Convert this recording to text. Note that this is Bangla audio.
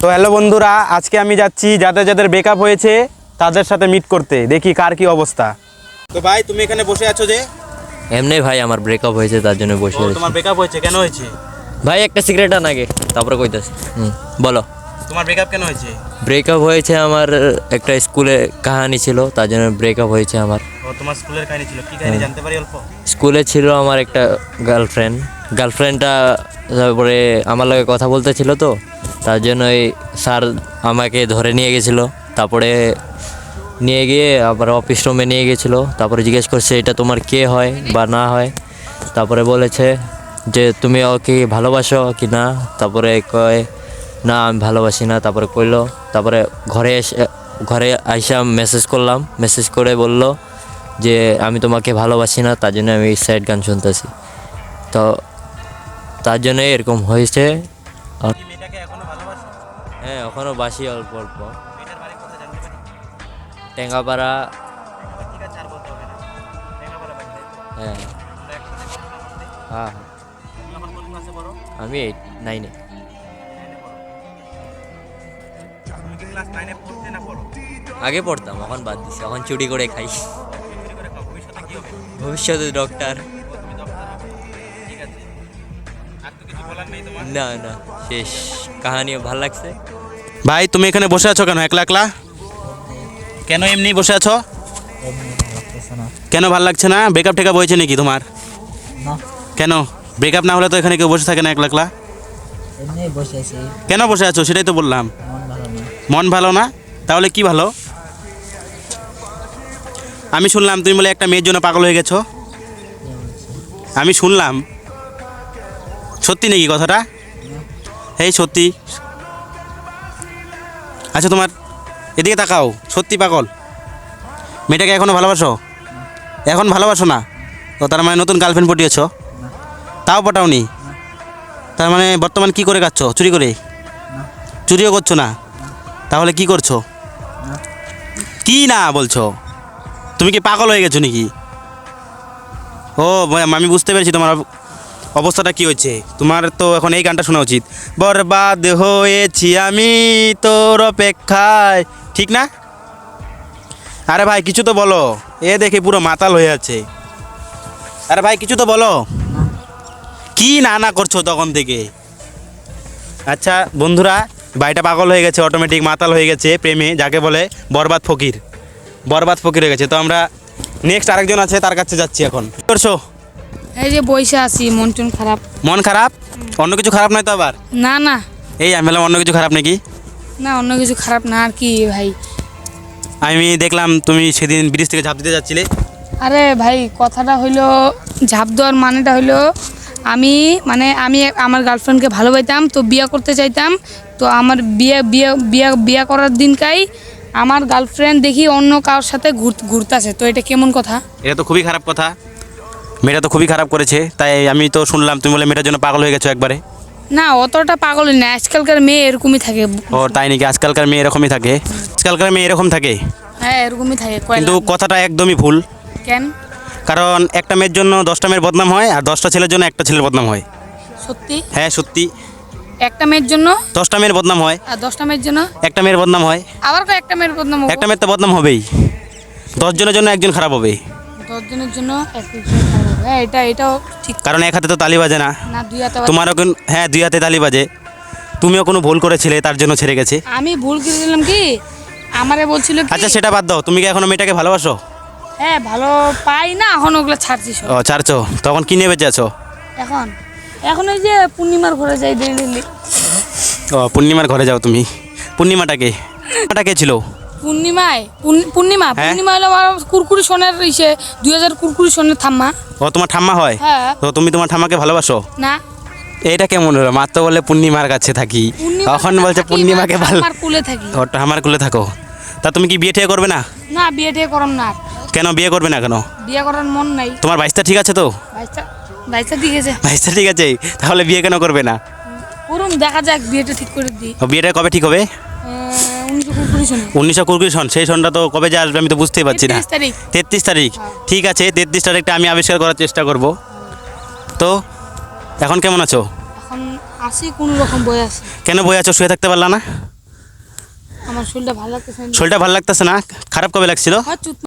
তো হ্যালো বন্ধুরা, আজকে আমি যাচ্ছি যাদের যাদের ব্রেকআপ হয়েছে তাদের সাথে মিট করতে, দেখি কার কি অবস্থা। তো ভাই তুমি এখানে বসে আছো যে? এমনি ভাই আমার ব্রেকআপ হয়েছে তার জন্য বসে আছি। তোমার ব্রেকআপ হয়েছে, কেন হয়েছে? ভাই একটা সিগারেট আন আগে, তারপরে কইতাছি। বলো। তোমার ব্রেকআপ কেন হয়েছে? ব্রেকআপ হয়েছে আমার একটা স্কুলে কাহিনী ছিল, তার জন্য ব্রেকআপ হয়েছে আমার। ও তোমার স্কুলের কাহিনী ছিল, কি কাহিনী জানতে পারি অল্প? স্কুলে ছিল আমার একটা গার্লফ্রেন্ডটা তারপরে আমার লগে কথা বলতে ছিল, তো তার জন্যই স্যার আমাকে ধরে নিয়ে গেছিলো। তারপরে নিয়ে গিয়ে আবার অফিস রুমে নিয়ে গেছিলো। তারপরে জিজ্ঞেস করছে এটা তোমার কে হয় বা না হয়। তারপরে বলেছে যে তুমি ওকে ভালোবাসো কি না। তারপরে কয় না আমি ভালোবাসি না। তারপরে কইলো। তারপরে ঘরে আইসা মেসেজ করলাম, মেসেজ করে বলল যে আমি তোমাকে ভালোবাসি না, তার জন্য আমি স্যাড গান শুনতেছি। তো তার জন্য এরকম হয়েছে। মেয়েটাকে এখনো ভালোবাসো? হ্যাঁ এখনও বাসি অল্প অল্প। মেয়েটার বাড়ি কোথায় জানতে পারি? টেঙ্গাপাড়া। ঠিক আছে, আর বলতে হবে না। টেঙ্গাপাড়া বাড়ি, তাই তো? হ্যাঁ তোমরা একসাথে পড়াশোনা করতে? হ্যাঁ তুমি এখন কোন ক্লাসে পড়ো? আমি 9-এ। 9 এ পড়ো। তুমি কি ক্লাস 9 এ পড়তে না পড়ো? আগে পড়তাম, এখন বাদ দিছি, এখন চুরি করে খাই। চুরি করে খাও, ভবিষ্যতে কি হবে? ভবিষ্যতে ডক্টর। তুমি ডক্টর হবে, ঠিক আছে। আর তো কিছু বলার নেই তোমার? না না, শেষ কাহিনীও ভালো লাগছে। ভাই তুমি এখানে বসে আছো কেন একলা একলা? কেন এমনি বসে আছো? কেন ভাল লাগছে না? ব্রেকআপ টেকআপ হয়েছে নাকি তোমার? না, কেন ব্রেকআপ না হলে তো এখানে কেউ বসে থাকে না একলা একলা? এমনি বসে আছি, কেন বসে আছো সেটাই তো বললাম। মন ভালো না। মন ভালো না? তাহলে কি ভালো? আমি শুনলাম তুমি বলে একটা মেয়ের জন্য পাগল হয়ে গেছো। আমি শুনলাম, সত্যি নাকি কথাটা? এই সত্যি? আচ্ছা তোমার এদিকে তাকাও, সত্যি পাগল? মেয়েটাকে এখনো ভালোবাসো? এখন ভালোবাসো না? তো তার মানে নতুন গার্লফ্রেন্ড পটিয়েছ? তাও পটাওনি? তার মানে বর্তমান কি করে খাচ্ছ? চুরি করে? চুরিও করছো না? তাহলে কি করছো? কি না বলছো? তুমি কি পাগল হয়ে গেছো নাকি? ও আমি বুঝতে পেরেছি তোমার অবস্থাটা কি হচ্ছে। তোমার তো এখন এই গানটা শোনা উচিত, বরবাদ হয়েছি আমি তোর অপেক্ষায়, ঠিক না? আরে ভাই কিছু তো বলো, এ দেখে পুরো মাতাল হয়ে আছে। আরে ভাই কিছু তো বলো, কি না না করছো তখন থেকে? আচ্ছা বন্ধুরা, ভাইটা পাগল হয়ে গেছে, অটোমেটিক মাতাল হয়ে গেছে প্রেমে, যাকে বলে বরবাদ ফকির। বরবাদ ফকির হয়ে গেছে। তো আমরা নেক্সট আরেকজন আছে, তার কাছে যাচ্ছি এখন। কি করছো? এই যে বইসা আছি, মন টন খারাপ। মন খারাপ? অন্য কিছু খারাপ নয় তো আবার? না না এই আমি বললাম অন্য কিছু খারাপ নাকি? না, অন্য কিছু খারাপ না। আর কি ভাই? আমি দেখলাম তুমি সেদিন ব্রিজ থেকে ঝাঁপ দিতে যাচ্ছিলে। আরে ভাই, কথাটা হইলো, ঝাঁপ দেওয়ার মানেটা হইলো আমি আমার গার্লফ্রেন্ডকে ভালোবাসতাম, তো বিয়ে করতে চাইতাম। তো আমার বিয়ে করার দিনকাই আমার গার্লফ্রেন্ড দেখি অন্য কারোর সাথে ঘুরতেছে। তো এটা কেমন কথা? এটা তো খুবই খারাপ কথা। মেয়েটা তো খুবই খারাপ করেছে, তাই আমি তো শুনলাম তুমি বলে মেয়েটার জন্য পাগল হয়ে গেছো একবারে। না, অতটা পাগল না, আজকালকার মেয়ে এরকমই থাকে। ও তাই নাকি? আজকালকার মেয়ে এরকমই থাকে? আজকালকার মেয়ে এরকম থাকে? হ্যাঁ এরকমই থাকে। কিন্তু কথাটা একদমই ভুল। কেন? কারণ একটা মেয়ের জন্য 10টা মেয়ের বদনাম হয়, আর 10টা ছেলের জন্য একটা ছেলের বদনাম হয়। সত্যি? হ্যাঁ সত্যি। একটা মেয়ের জন্য 10টা মেয়ের বদনাম হয়, আর 10টা মেয়ের জন্য একটা মেয়ের বদনাম হয়। আবার একটা মেয়ের বদনাম হবে? একটা মেয়ের তো বদনাম হবেই। 10 জনের জন্য একজন খারাপ হবে। 10 জনের জন্য একজন খারাপ হবে। হ্যাঁ এটাও ঠিক। কারণ এক হাতে তো তালি বাজে না। না, দুই হাতে। তোমারও হ্যাঁ 2 হাতে তালি বাজে। তুমিও কোনো ভুল করেছিলে, তার জন্য ছেড়ে গেছে। আমি ভুল করে দিলাম কি? আমারে বলছিল কি? আচ্ছা সেটা বাদ দাও, তুমি কি এখনো মেয়েটাকে ভালোবাসো? হ্যাঁ ভালো পাই না, এখন ওগুলো ছাড়ছি সব। ও ছাড়ছো? তখন কি নিয়ে বেঁচে আছো? এখন এখন ওই যে পূর্ণিমার ঘরে যাই ডেলি। ও পূর্ণিমার ঘরে যাও তুমি? পূর্ণিমাটাকে ছিল? পূর্ণিমা হ্যাঁ? পূর্ণিমা হলো আমার কুরকুরি সোনার 2000 কুরকুরি সোনার থাম্মা। ও তোমার ঠাম্মা হয়? হ্যাঁ। তো তুমি তোমার ঠাম্মাকে ভালোবাসো? না, এইটা কেমন হলো? মাত্র বলে পূর্ণিমার কাছে থাকি, এখন বলছে পূর্ণিমাকে ভালো। আমার কুলে থাকি। ও ঠাম্মার কুলে থাকো। তা তুমি কি বিয়ে টিয়ে করবে না? না, বিয়ে টিয়ে করম না। কেন বিয়ে করবে না কেন? বিয়ে করার মন নাই। তোমার বাইশটা ঠিক আছে তো? বাইশটা ঠিক আছে। বাইশটা ঠিক আছে, তাহলে বিয়ে কেন করবে না? করুন, দেখা যাক, বিয়েটা ঠিক করে দিই। ও বিয়েটা কবে ঠিক হবে? 19 কুরকুরি সোনা। 19 সন। সেই সনটা তো কবে যে আসবে আমি তো বুঝতেই পারছি না। 33 তারিখ। 33 তারিখ? ঠিক আছে, 33 তারিখটা আমি আবিষ্কার করার চেষ্টা করব। তো এখন কেমন আছো? এখন আসি, কোনো রকম বই আছে। কেন বই আছো? শুয়ে থাকতে পারলা না? আমার শরীরটা ভালো লাগতেছে না। শরীরটা ভালো লাগতেছে না? খারাপ কবে লাগছিল? হ্যাঁ, চুপ